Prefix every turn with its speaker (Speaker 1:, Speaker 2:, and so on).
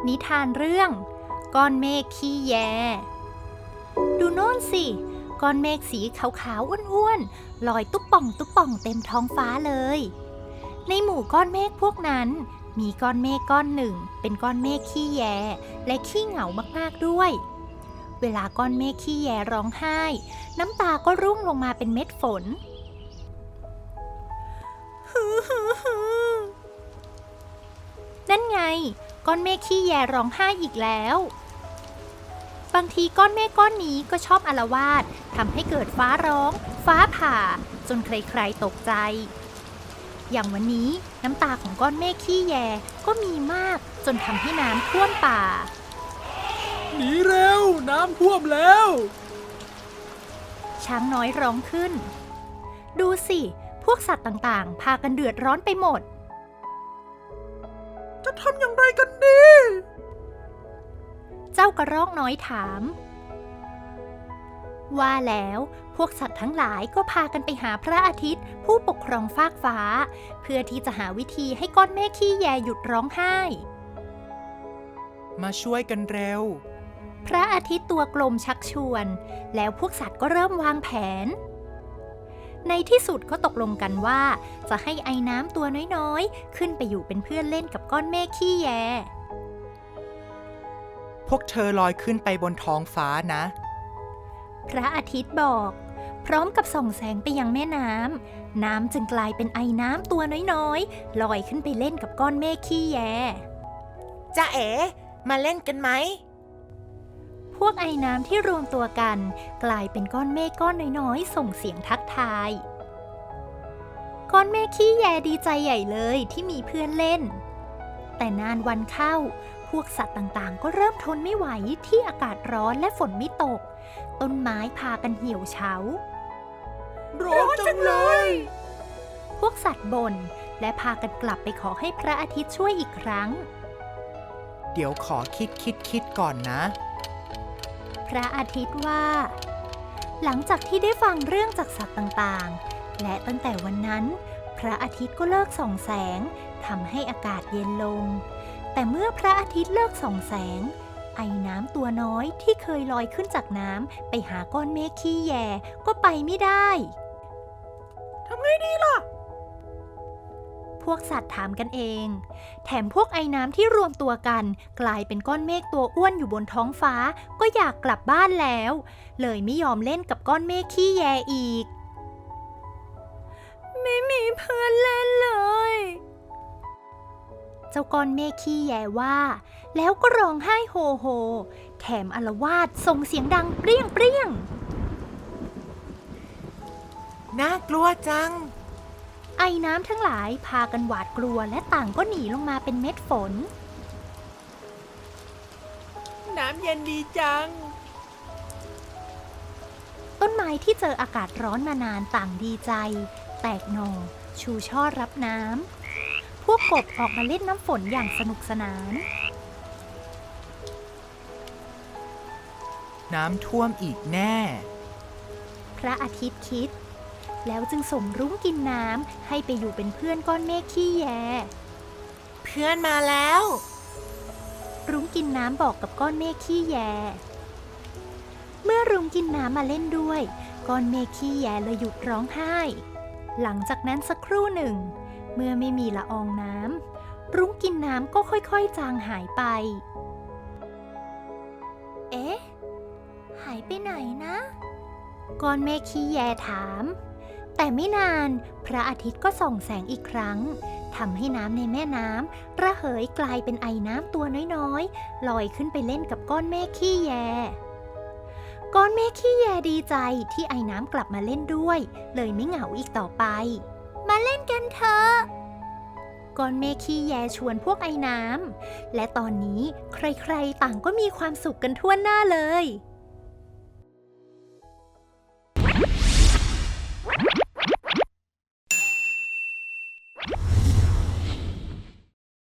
Speaker 1: นิทานเรื่องก้อนเมฆขี้แยดูโน่นสิก้อนเมฆสีขาวๆอ้วนๆลอยตุ๊บป่องตุ๊บป่องเต็มท้องฟ้าเลยในหมู่ก้อนเมฆพวกนั้นมีก้อนเมฆก้อนหนึ่งเป็นก้อนเมฆขี้แยและขี้เหงามากๆด้วยเวลาก้อนเมฆขี้แยร้องไห้น้ำตาก็ร่วงลงมาเป็นเม็ดฝนนั่นไงก้อนเมฆขี้แยร้องไห้อีกแล้วบางทีก้อนเมฆก้อนนี้ก็ชอบอาละวาดทำให้เกิดฟ้าร้องฟ้าผ่าจนใครๆตกใจอย่างวันนี้น้ำตาของก้อนเมฆขี้แยก็มีมากจนทำให้น้ำท่วมป่า
Speaker 2: หนีเร็วน้ำท่วมแล้ว
Speaker 1: ช้างน้อยร้องขึ้นดูสิพวกสัตว์ต่างๆพากันเดือดร้อนไปหมด
Speaker 2: จะทำอย่างไรกันดี
Speaker 1: เจ้ากระรอกน้อยถามว่าแล้วพวกสัตว์ทั้งหลายก็พากันไปหาพระอาทิตย์ผู้ปกครองฟากฟ้าเพื่อที่จะหาวิธีให้ก้อนเมฆขี้แยหยุดร้องไห้
Speaker 2: มาช่วยกันเร็ว
Speaker 1: พระอาทิตย์ตัวกลมชักชวนแล้วพวกสัตว์ก็เริ่มวางแผนในที่สุดก็ตกลงกันว่าจะให้ไอ้น้ำตัวน้อยๆขึ้นไปอยู่เป็นเพื่อนเล่นกับก้อนเมฆขี้แย
Speaker 2: พวกเธอลอยขึ้นไปบนท้องฟ้านะ
Speaker 1: พระอาทิตย์บอกพร้อมกับส่องแสงไปยังแม่น้ำน้ำจึงกลายเป็นไอ้น้ำตัวน้อยๆลอยขึ้นไปเล่นกับก้อนเมฆขี้แย
Speaker 3: จ๊ะเอ๋มาเล่นกันไหม
Speaker 1: พวกไอ้น้ำที่รวมตัวกันกลายเป็นก้อนเมฆก้อนน้อยๆส่งเสียงทักทายก้อนเมฆขี้แยดีใจใหญ่เลยที่มีเพื่อนเล่นแต่นานวันเข้าพวกสัตว์ต่างๆก็เริ่มทนไม่ไหวที่อากาศร้อนและฝนไม่ตกต้นไม้พากันเหี่ยวเฉา
Speaker 2: ร้อนจังเลย
Speaker 1: พวกสัตว์บ่นและพากันกลับไปขอให้พระอาทิตย์ช่วยอีกครั้ง
Speaker 2: เดี๋ยวขอคิดก่อนนะ
Speaker 1: พระอาทิตย์ว่าหลังจากที่ได้ฟังเรื่องจากสัตว์ต่างๆและตั้งแต่วันนั้นพระอาทิตย์ก็เลิกส่องแสงทำให้อากาศเย็นลงแต่เมื่อพระอาทิตย์เลิกส่องแสงไอ้น้ำตัวน้อยที่เคยลอยขึ้นจากน้ำไปหาก้อนเมฆขี้แยก็ไปไม่ได้
Speaker 2: ทำไงดีล่ะ
Speaker 1: พวกสัตว์ถามกันเองแถมพวกไอ้น้ำที่รวมตัวกันกลายเป็นก้อนเมฆตัวอ้วนอยู่บนท้องฟ้าก็อยากกลับบ้านแล้วเลยไม่ยอมเล่นกับก้อนเมฆขี้แยอีกไม่มีเพื่อนเล่นเลยเจ้าก้อนเมฆขี้แยว่าแล้วก็ร้องไห้โฮโฮแถมอาละวาดส่งเสียงดังเปรี้ยงเปรี้ยง
Speaker 3: น่ากลัวจัง
Speaker 1: ไอ้น้ำทั้งหลายพากันหวาดกลัวและต่างก็หนีลงมาเป็นเม็ดฝน
Speaker 3: น้ำเย็นดีจัง
Speaker 1: ต้นไม้ที่เจออากาศร้อนมานานต่างดีใจแตกหน่อชูช่อรับน้ำพวกกบออกมาเล่นน้ำฝนอย่างสนุกสนาน
Speaker 2: น้ำท่วมอีกแน่
Speaker 1: พระอาทิตย์คิดแล้วจึงส่งรุ้งกินน้ำให้ไปอยู่เป็นเพื่อนก้อนเมฆขี้แย
Speaker 3: เพื่อนมาแล้ว
Speaker 1: รุ้งกินน้ำบอกกับก้อนเมฆขี้แยเมื่อรุ้งกินน้ำมาเล่นด้วยก้อนเมฆขี้แยเลยหยุดร้องไห้หลังจากนั้นสักครู่หนึ่งเมื่อไม่มีละอองน้ำรุ้งกินน้ำก็ค่อยๆจางหายไปเอ๊ะหายไปไหนนะก้อนเมฆขี้แยถามแต่ไม่นานพระอาทิตย์ก็ส่องแสงอีกครั้งทำให้น้ำในแม่น้ำระเหยกลายเป็นไอน้ำตัวน้อยๆลอยขึ้นไปเล่นกับก้อนเมฆขี้แยก้อนเมฆขี้แยดีใจที่ไอน้ำกลับมาเล่นด้วยเลยไม่เหงาอีกต่อไปมาเล่นกันเถอะก้อนเมฆขี้แยชวนพวกไอน้ำและตอนนี้ใครๆต่างก็มีความสุขกันทั่วหน้าเลย